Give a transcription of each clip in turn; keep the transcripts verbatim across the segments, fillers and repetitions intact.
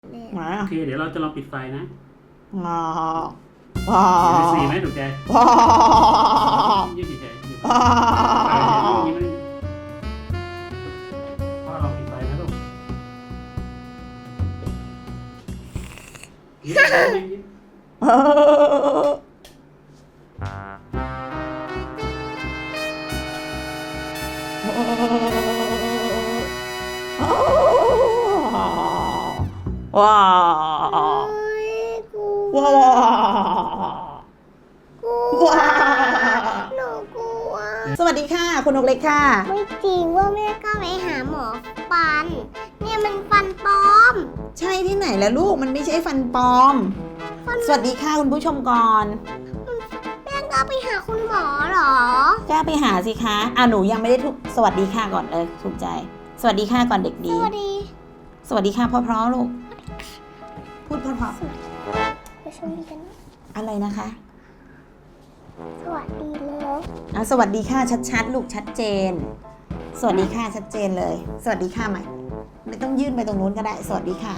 มาโอเคเดี๋ยวเราจะลองปิดไฟนะว้าวว้าเห็นวสีไหมถูกใจว้าวยืดเฉยๆยืดว้าวยิ้มเลยพ่อลองปิดไฟนะลูกยิ้มยิ้มยิ้มว้าวกูว้าวกูว้าวหนูกลัวสวัสดีค่ะคุณนกเล็กค่ะไม่จริงว่าแม่ก็ไปหาหมอฟัน เนี่ยมันฟันปลอมใช่ที่ไหนแล้วลูกมันไม่ใช่ฟันปลอม สวัสดีค่ะคุณผู้ชมก่อนแม่ก็ไปหาคุณหมอเหรอกล้าไปหาสิคะอ่ะหนูยังไม่ได้ทุกสวัสดีค่ะก่อนเลยถูกใจ สวัสดีค่ะก่อนเด็กสดีวัสดีสวัสดีค่ะเพราะๆลูกพูดเพราะไปชมดีกันนะๆอะไรนะคะสวัสดีแล้วอ่ะสวัสดีค่ะชัดๆลูกชัดเจน สวัสดีค่ะชัดเจนเลย สวัสดีค่ะใหม่ไม่ต้องยื่นไปตรงนู้นก็ได้ สวัสดีค่ะ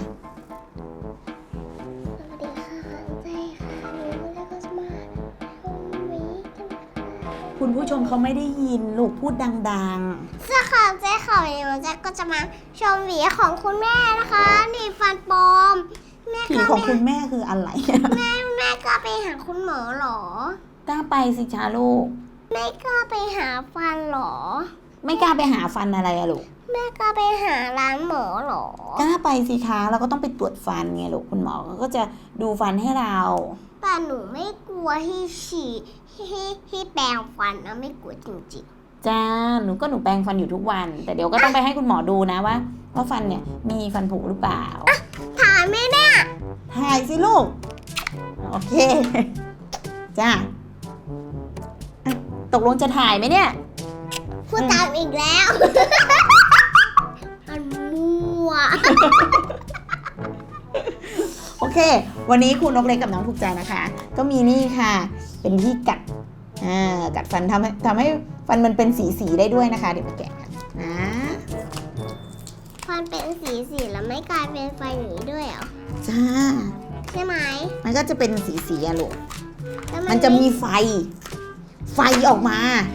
สวัสดีค่ะใจค่ะหนูไม่ได้ก็จะมาชมวิกันค่ะคุณผู้ชมเขาไม่ได้ยินลูกพูดดังเสื้อขาวใจขาววันนี้มันจะก็จะมาชมหวีของคุณแม่นะคะ นี่ฟันปลอมแม่ๆผีก็ของไปคุณแม่คืออะไรแม่แม่ก็ไปหาคุณหมอเหรอกล้าไปสิจ้าลูกแม่ก็ไปหาฟันเหรอไม่กล้าไปหาฟันอะไรอะลูกแม่ก็ไปหาร้านหมอเหรอกล้าไปสิคะเราก็ต้องไปตรวจฟันไงลูกคุณหมอก็จะดูฟันให้เราแต่หนูไม่กลัวที่ฉี่ที่ที่แปรงฟันนะไม่กลัวจริงจ้าหนูก็หนูแปรงฟันอยู่ทุกวัน แต่เดี๋ยวก็ต้องไปให้คุณหมอดูนะว่าว่าฟันเนี่ยมีฟันผุหรือเปล่าๆถ่ายไหมเนี่ยถ่ายสิลูก โอเค จ้าอ่ะตกลงจะถ่ายไหมเนี่ยพูดตามอีกแล้ว มันมั่วโอเค วันนี้คุณนกเล็กกับน้องถูกใจนะคะ ก็มีนี่ค่ะ เป็นที่กัด อ่า กัดฟันทำให้ทำให้ฟันมันเป็นสีสีๆได้ด้วยนะคะ เดี๋ยวมาแกะกันนะฟันเป็นสีสีแล้วไม่กลายเป็นไฟอย่างนี้ด้วยเหรอจ้าใช่ไหมมันก็จะเป็นสีสีๆอะลูกแล้วมันจะมีไฟ ไฟออกมา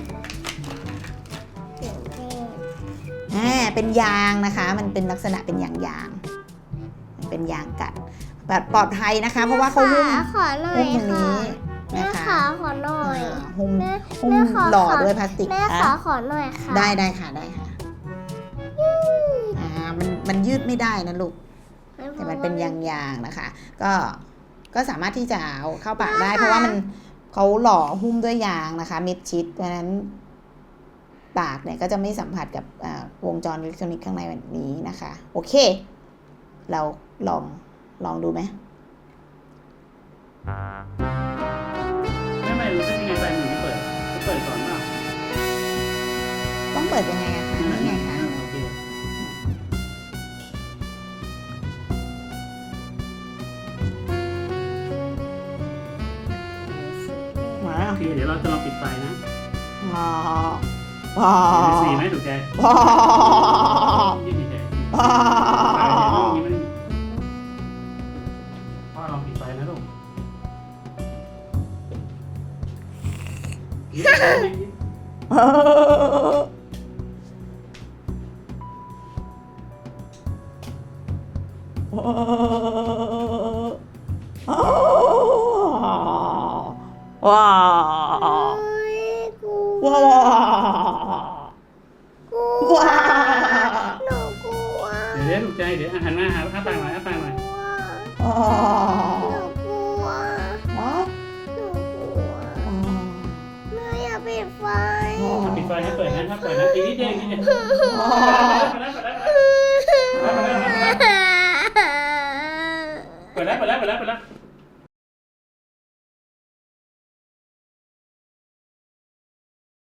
เสียงเพลงอ่า เป็นยางนะคะ มันเป็นลักษณะเป็นยางยางๆมันเป็นยางกัด แบบปลอดภัยนะคะ เพราะว่าเขาหุ้มแม่ขอหน่อหุ้ยมตรงค่ะนี้แม่นะคะขาขอหน่อยอ่าหุ้มแม่หุ้มแม่ขอหล่อขอด้วยพลาสติกแม่นะขอขอหน่อยค่ะได้ได้ค่ะได้ค่ะ อ่า มันมันยืดไม่ได้นะลูก แต่มันเป็นยางๆนะคะ ก็ก็สามารถที่จะเอาเข้าปากได้ เพราะว่ามันเขาหล่อหุ้มด้วยยางนะคะมิดชิดเพราะฉะนั้นปากเนี่ยก็จะไม่สัมผัสกับอ่าวงจรอิเล็กทรอนิกส์ข้างในแบบนี้นะคะ โอเค เราลองลองดูไหมไม่ไม่รู้สึกยังไงไฟหนูไม่เปิดจะเปิดก่อนเปล่าต้องเปิดยังไงอะคะนี่ไงคะโอเคมาโอเคเดี๋ยวเราจะลองปิดไฟนะว้าวว้าเห็นวสีไหมถูกใจว้าวยืดเฉยๆว้าวยิ้มเลยพ่อลองปิดไฟนะลูกยิ้มยิ้มยิ้มว้าวเฮ้ยกูว้าวกลัวว้าวหนูกลัวเดี๋ยวเดี๋ยวถูกใจเดี๋ยวหันมาหาอ้าปากหน่อยอ้าปากหน่อยกลัวว้าหนูกลัววหนูกลัวแม่อย่าปิดไฟปิดไฟให้เปิดนะถ้าเปิดนะอีกนิดเดียวอีกนิดเดียวเปิดแล้วเปิดแล้วเปิดแล้ว